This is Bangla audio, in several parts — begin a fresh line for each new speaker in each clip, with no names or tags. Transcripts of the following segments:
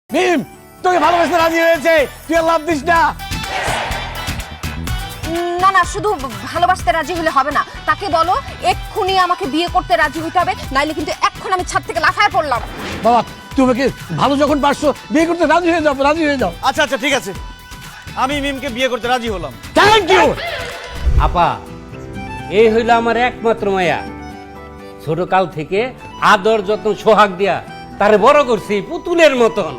মিম তোকে ভালোবাসতে রাজি হয়েছে, তুই আর লাভ দিস না।
না না, শুধু ভালোবাসতে রাজি হলে হবে না, তাকে বলো এক্ষুনি আমাকে বিয়ে করতে রাজি হইতে হবে, নাইলে কিন্তু এখন আমি ছাদ থেকে লাফায় পড়লাম।
বাবা তুমি কি ভালো যখন পারছো বিয়ে করতে রাজি হয়ে যাও, রাজি হয়ে যাও।
আচ্ছা আচ্ছা ঠিক আছে, আমি মিমকে বিয়ে করতে রাজি হলাম।
Thank you.
আপা, এই হইল আমার একমাত্র মায়া। ছোট কাল থেকে আদর যত্ন সোহাগ দিয়া তারে বড় করছি পুতুলের মতন।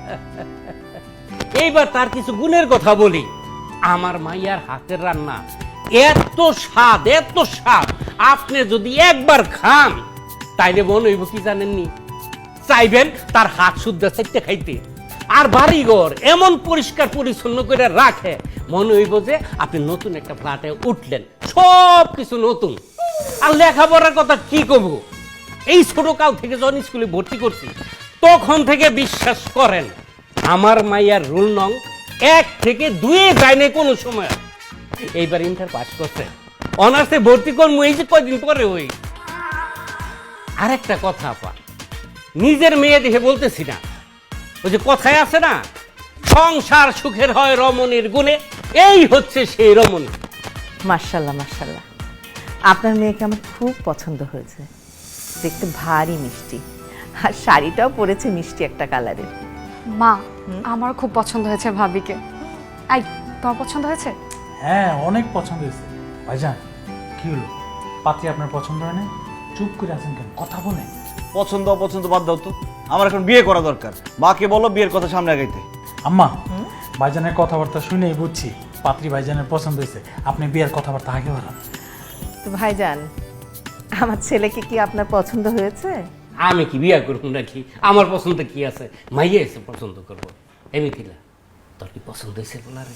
এইবার তার কিছু গুণের কথা বলি। আমার মাইয়ার হাতের রান্না এত স্বাদ, এত স্বাদ, আপনি যদি একবার খান তাইলে মনে হইব কি জানেননি, চাইবেন তার হাত শুদ্ধ চাইতে খাইতে। আর বাড়িঘর এমন পরিষ্কার পরিচ্ছন্ন করে রাখে, মনে হইব যে আপনি নতুন একটা ফ্ল্যাটে উঠলেন, সব কিছু নতুন। আর লেখাপড়ার কথা কি কব, এই ছোট কাল থেকে যখন স্কুলে ভর্তি করছি তখন থেকে বিশ্বাস করেন আমার মাইয়ার রুল নং 1 থেকে 2 যায় না কোনো সময়। এইবার ইন্টার পাস করছে, অনার্সে ভর্তি করবো এই যে কয়দিন পরে। ওই আরেকটা কথা আপা, নিজের মেয়ে দেখে বলতেছি না, ওই যে কথায় আছে না, সংসার সুখের হয় রমণীর গুণে, এই হচ্ছে সেই রমণী।
মাশাআল্লাহ মাশাআল্লাহ, আপনার মেয়েকে আমার খুব পছন্দ হয়েছে, দেখতে ভারী মিষ্টি, আর শাড়িটাও পরেছে মিষ্টি একটা কালারের।
মা, আমার খুব পছন্দ হয়েছে ভাবিকে। আই, তোমার পছন্দ হয়েছে?
হ্যাঁ অনেক পছন্দ হয়েছে। ভাইজান কি হলো, পাত্রী আপনার পছন্দ হয় না? চুপ করে আছেন কেন, কথা বলেন।
পছন্দ অপছন্দ বাদ দাও তো, আমার এখন বিয়ে করা দরকার। মাকে বলো বিয়ের কথা সামনে আগাইতে।
আম্মা, ভাইজানের কথাবার্তা শুনেই বুঝছি পাত্রী ভাইজানের পছন্দ হয়েছে, আপনি বিয়ের কথাবার্তা আগে বাড়ান।
তো ভাইজান, আমার ছেলেকে কি আপনার পছন্দ হয়েছে?
আমি কি বিয়া করবো নাকি? আমার পছন্দ কি আছে, মাইয়া এসে পছন্দ করবো। এমিতিলা, তোর কি পছন্দ হয়েছে বলারে?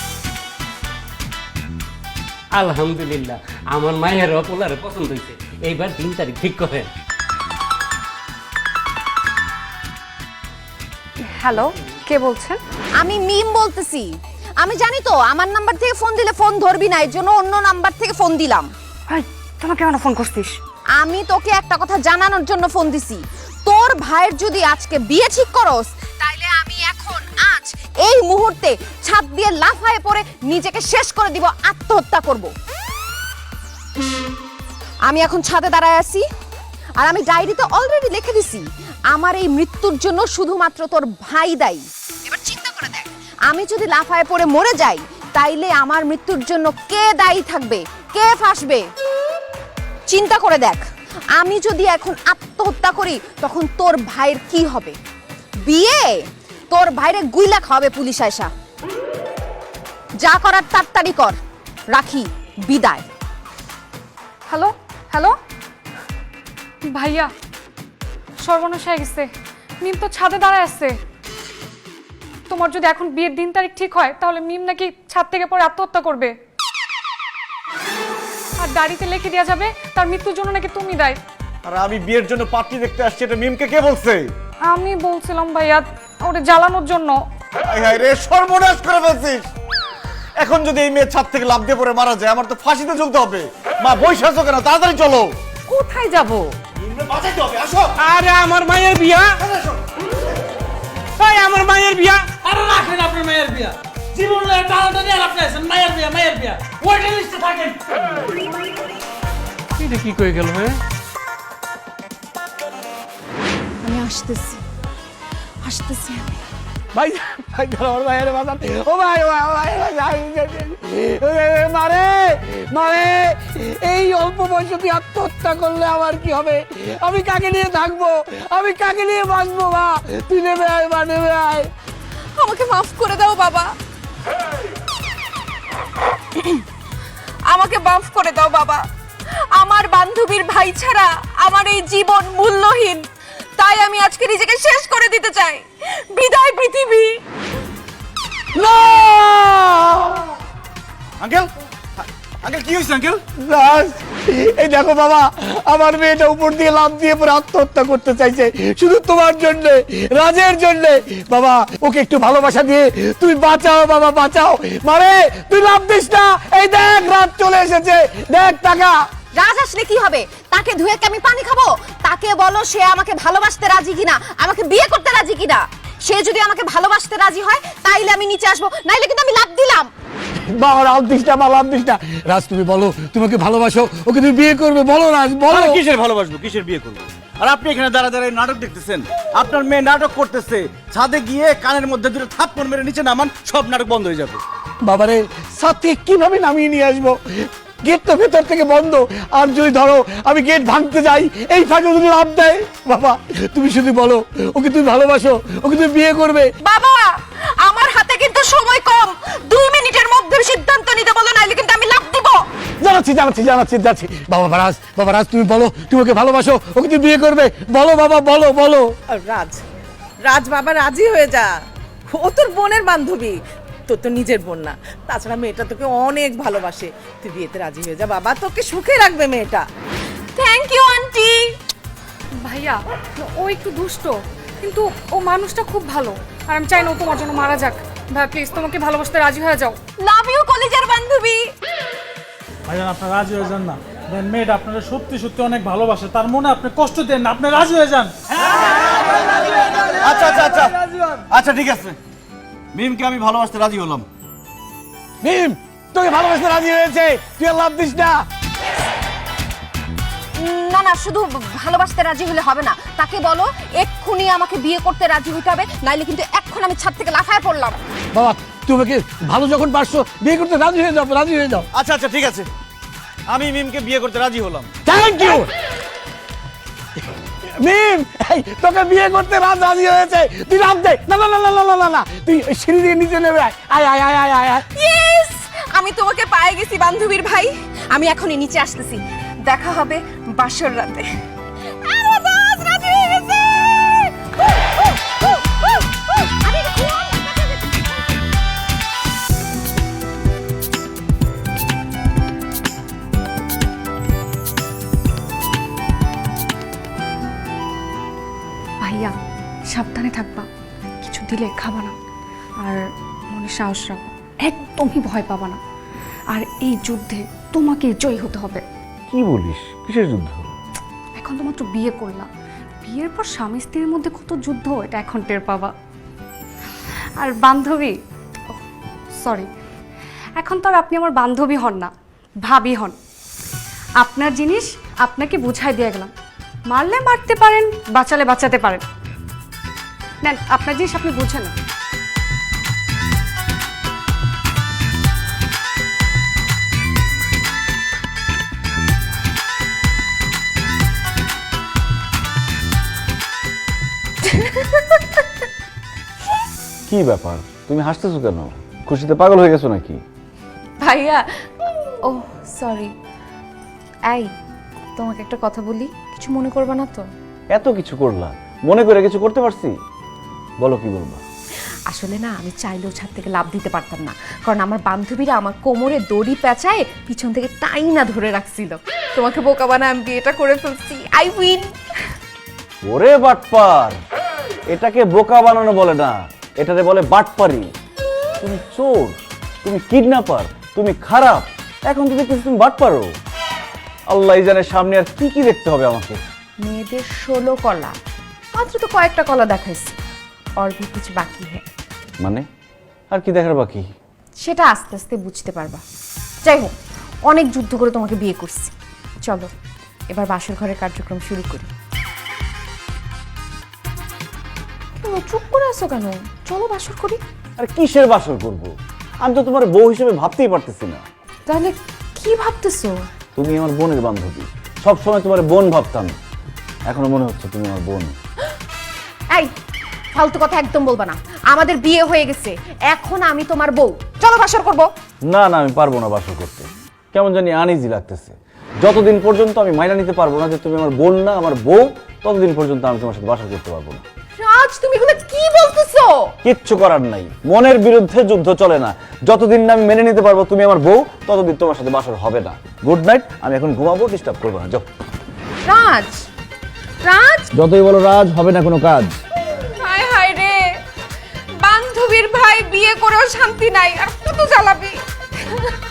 আলহামদুলিল্লাহ, আমার মায়ের পোলারে পছন্দ হয়েছে। এইবার 3 তারিখ ঠিক করেন।
হ্যালো, কে বলছেন?
আমি মিম বলতেছি। আমি জানি তো আমার নাম্বার থেকে ফোন দিলে ফোন ধরবি না, এর জন্য অন্য নাম্বার থেকে ফোন দিলাম।
ভাই, তোমাকে কেন ফোন করছিস?
আমি তোকে একটা কথা জানানোর জন্য ফোন দিছি। তোর ভাইয়ের যদি আজকে বিয়ে ঠিক করস, তাইলে আমি এখন আজ এই মুহূর্তে ছাদ দিয়ে লাফায়ে পড়ে নিজেকে শেষ করে দিব, আত্মহত্যা করব। আমি এখন ছাদে দাঁড়ায় আছি, আর আমি ডায়েরিতে অলরেডি লিখে দিছি আমার এই মৃত্যুর জন্য শুধুমাত্র তোর ভাই দায়ী। এবার চিন্তা করে দেখ, আমি যদি লাফায়ে পড়ে মরে যাই, তাইলে আমার মৃত্যুর জন্য কে দায়ী থাকবে, কে ফাঁসবে? চিন্তা করে দেখ, আমি যদি এখন আত্মহত্যা করি তখন তোর ভাইয়ের কি হবে? বিয়ে, তোর ভাইরে গুইলা খাওয়াবে পুলিশ আয়সা। যা করার তাড়াতাড়ি কর, রাখি, বিদায়।
হ্যালো হ্যালো, ভাইয়া সর্বনাশ হয়ে গেছে, মিম তো ছাদে দাঁড়ায় আছে। তোমার যদি এখন বিয়ের দিন তারিখ ঠিক হয়, তাহলে মিম নাকি ছাদ থেকে পরে আত্মহত্যা করবে, আর ডায়েরিতে লিখে দেওয়া যাবে তার মৃত্যুর জন্য নাকি তুমি দায়ী।
আর আমি বিয়ের জন্য পাত্রী দেখতে আসছি, এটা মিমকে কে বলছে?
আমি বলছিলাম ভাইয়া, ওরে জ্বালানোর জন্য।
হায় হায় রে, সর্বনাশ করে ফেলছিস। এখন যদি এই মেয়ে ছাদ থেকে লাফ দিয়ে পড়ে মারা যায়, আমার তো ফাঁসিতে ঝুলতে হবে। মা বসে আছো কেন, তাড়াতাড়ি চলো।
কোথায় যাব?
বাঁচাইতে হবে, আসো।
আরে আমার মায়ের বিয়া, এই আমার মায়ের বিয়া।
আরে রাখেন আপনার মায়ের বিয়া, জীবনে টানাটানি আর আপনি আছেন মায়ের বিয়া, মায়ের বিয়া ওয়েটিং লিস্টে থাকেন।
এটা কি কই গেল? হ্যাঁ,
আমি আসতেছি, আসতেছি আমি।
ভাই ভাই আমার ভাইয়ের বাজার, ও ভাই ও ভাই মারে মারে, এই অল্প বয়সে তুই আত্মহত্যা করলে আমার কি হবে? আমি কাকে নিয়ে থাকবো, আমি কাকে নিয়ে বাঁচবো? মা তুই নেমে আয়, মা নেমে আয়।
আমাকে মাফ করে দাও বাবা, আমাকে মাফ করে দাও বাবা। আমার বান্ধবীর ভাই ছাড়া আমার এই জীবন মূল্যহীন, তাই আমি আজকে নিজেকে শেষ করে দিতে চাই। বিদায় পৃথিবী।
না
আঙ্কেল, আঙ্কেল কি হয়েছে আঙ্কেল?
রাজ, এই দেখো বাবা, আমার মেয়েটা উপর দিয়ে লাফ দিয়ে পরে আত্মহত্যা করতে চাইছে শুধু তোমার জন্য, রাজের জন্য। বাবা ওকে একটু ভালোবাসা দিয়ে তুমি বাঁচাও বাবা, বাঁচাও। মানে তুই লাফ দিস না, এই দেখ রাত চলে এসেছে, দেখ টাকা।
রাজ আসলে কি হবে? তাকে ধুয়ে কি আমি পানি খাবো? তাকে বলো সে আমাকে ভালোবাসতে রাজি কিনা, আমাকে বিয়ে করতে রাজি কিনা। সে যদি আমাকে ভালোবাসতে রাজি হয় তাইলে আমি নিচে আসবো, নাইলে কিন্তু আমি লাফ দিলাম।
বাবা লাভ দিস না, লাভ দিস না। রাজ তুমি বলো তোমাকে ভালোবাসো, ওকে তুমি বিয়ে করবে, বলো রাজ বলো।
আরে কিসের ভালোবাসবো, কিসের বিয়ে করবো? আর আপনি এখানে দাঁড়া দাঁড়ায় নাটক দেখতেছেন। আপনার মেয়ে নাটক করতেছে, ছাদে গিয়ে কানের মধ্যে দুটো থাপ্পড় মেরে নিচে নামান, সব নাটক বন্ধ হয়ে যাবে।
বাবারে সাথে কিভাবে নামিয়ে নিয়ে আসবো? গেট তো ভেতর থেকে বন্ধ, আর যদি ধরো আমি গেট ভাঙতে যাই, এই ফাঁকে যদি লাভ দেয়, বাবা তুমি শুধু বলো ওকে তুমি ভালোবাসো, ওকে তুমি বিয়ে করবে।
বাবা আমার হাতে কিন্তু সময় কম, 2 মিনিটের মধ্যে সিদ্ধান্ত নিতে বলো, নাইলে কিন্তু আমি লাফ দিব।
যাচ্ছি। বাবা রাজ তুমি বলো তুমি ওকে ভালোবাসো, ওকে তুমি বিয়ে করবে, বলো বাবা বলো।
আর রাজ বাবা রাজি হয়ে যা, ও তোর বোনের বান্ধবী, তোর তো নিজের বোন না। তাছাড়া মেয়েটা তোকে অনেক ভালোবাসে, তুই বিয়েতে রাজি হয়ে যা বাবা, তোকে সুখে রাখবে মেয়েটা।
Thank you aunty.
ভাইয়া ও একটু দুষ্ট, কিন্তু ও মানুষটা খুব ভালো, আর আমি চাই না ও তোমার জন্য মারা যাক। ভাই প্লিজ তোমাকে ভালোবাসতে রাজি হয়ে যাও।
লাভ ইউ কলেজের বান্ধবী।
ভাইজান আপনার রাজি হয়ে যান না, দেন মেয়েটা আপনারা সত্যি সত্যি অনেক ভালোবাসে, তার মনে আপনি কষ্ট দেন না, আপনি রাজি হয়ে যান।
আচ্ছা ঠিক আছে, মিমকে আমি ভালোবাসতে রাজি হলাম।
মিম তোকে ভালোবাসতে রাজি হয়েছে, তুই আর লাভ দিস না।
না শুধু ভালোবাসতে রাজি হলে হবে না, তাকে বলো এক্ষুনি আমাকে বিয়ে করতে রাজি হতে হবে, নাইলে কিন্তু এখন আমি ছাদ থেকে লাফায় পড়লাম।
বাবা তোমাকে ভালো যখন পারছো বিয়ে করতে রাজি হয়ে যাও।
আচ্ছা ঠিক আছে, আমি মিমকে বিয়ে করতে রাজি হলাম।
থ্যাংক ইউ মিম, এই তোকে বিয়ে করতে রাজি হয়েছে, তুই লাভ দে। না তুই সিঁড়ি দিয়ে নিচে নেমে আয়।
ইয়েস, আমি তোমাকে পেয়ে গেছি বান্ধবীর ভাই, আমি এখনই নিচে আসতেছি, দেখা হবে বাসর রাতে। আরে দাস রাজি হয়ে গেছে। আরে
ভাইয়া সাবধানে থাকবা, কিছু দিলে খাবা না, আর মনে সাহস রাখবা, একদমই ভয় পাবা না। আর এই যুদ্ধে তোমাকে জয়ী হতে হবে।
কি বলিস, কিসের যুদ্ধ?
এখন তো মাত্র বিয়ে করলাম, বিয়ের পর স্বামী স্ত্রীর মধ্যে কত যুদ্ধ, এটা এখন টের পাবা। আর বান্ধবী, সরি, এখন তো আর আপনি আমার বান্ধবী হন না, ভাবি হন। আপনার জিনিস আপনাকে বুঝাই দিয়ে গেলাম, মারলে মারতে পারেন, বাঁচালে বাঁচাতে পারেন। নেন আপনার জিনিস আপনি বুঝে না।
কি ব্যাপার, তুমি হাসতেছো কেন? খুশিতে পাগল হয়ে গেছো নাকি?
ভাইয়া, ও সরি। এই তোমাকে একটা কথা বলি, কিছু মনে করবা না তো?
এত কিছু করলা, মনে করে কিছু করতে পারছি? বলো কি বলবা।
আসলে না আমি চাইলেও ছাদ থেকে লাফ দিতে পারতাম না, কারণ আমার বান্ধবীরা আমার কোমরে দড়ি পেঁচায় পিছন থেকে টাইনা ধরে রাখছিল। তোমাকে বোকা বানায় আমি বিয়েটা করে ফেলছি, আই উইন।
ওরে বাটপার, এটাকে বোকা বানানো বলে না, এটারে বলে বাটপারি। তুমি চোর, তুমি কিডন্যাপার, তুমি খারাপ, এখন তো দেখতেছি তুমি বাটপারো। আল্লাহ জানে সামনে আর কি কি দেখতে হবে আমাকে।
মেয়েদের 16 কলা, মাত্র তো কয়েকটা কলা দেখাইছি, और भी कुछ बाकी है।
মানে আর কি দেখার বাকি?
সেটা আস্তে আস্তে বুঝতে পারবা। যাই হোক, অনেক যুদ্ধ করে তোমাকে বিয়ে করছি, চলো এবার বাসর ঘরের কার্যক্রম শুরু করি। কেন চুপ করে আছো কেন? চলো বাসর করি।
আর কিসের বাসর করব? আমি তো তোমার বউ হিসেবে ভাবতেই পারতেছি না।
তাহলে কি ভাবতেছো?
তুমি আমার বোনের বান্ধবী, সব সময় তোমার বোন ভাবতাম, এখনো মনে হচ্ছে তুমি আমার বোন।
এই ফালতু কথা একদম বলবা না, আমাদের বিয়ে হয়ে গেছে, এখন আমি তোমার বউ, চলো বাসর করব।
না আমি পারবো না বাসর করতে, কেমন জানি আনইজি লাগতেছে। যতদিন পর্যন্ত আমি মাইনা নিতে পারবো না যে তুমি আমার বোন না আমার বউ, ততদিন পর্যন্ত আমি তোমার সাথে বাসর করতে পারবো না।
রাজ তুমি এগুলো কি বলতেছো?
কিচ্ছু করার নাই, মনের বিরুদ্ধে যুদ্ধ চলে না। যতদিন না আমি মেনে নিতে পারবো তুমি আমার বউ, ততদিন তোমার সাথে বাসর হবে না। গুড নাইট, আমি এখন ঘুমাবো, ডিস্টার্ব করবো না। যাও।
রাজ, রাজ,
যতই বলো রাজ, হবে না কোনো কাজ।
হায় হায় রে, বান্ধবীর ভাই বিয়ে করেও শান্তি নাই, আর কত জ্বালাবি।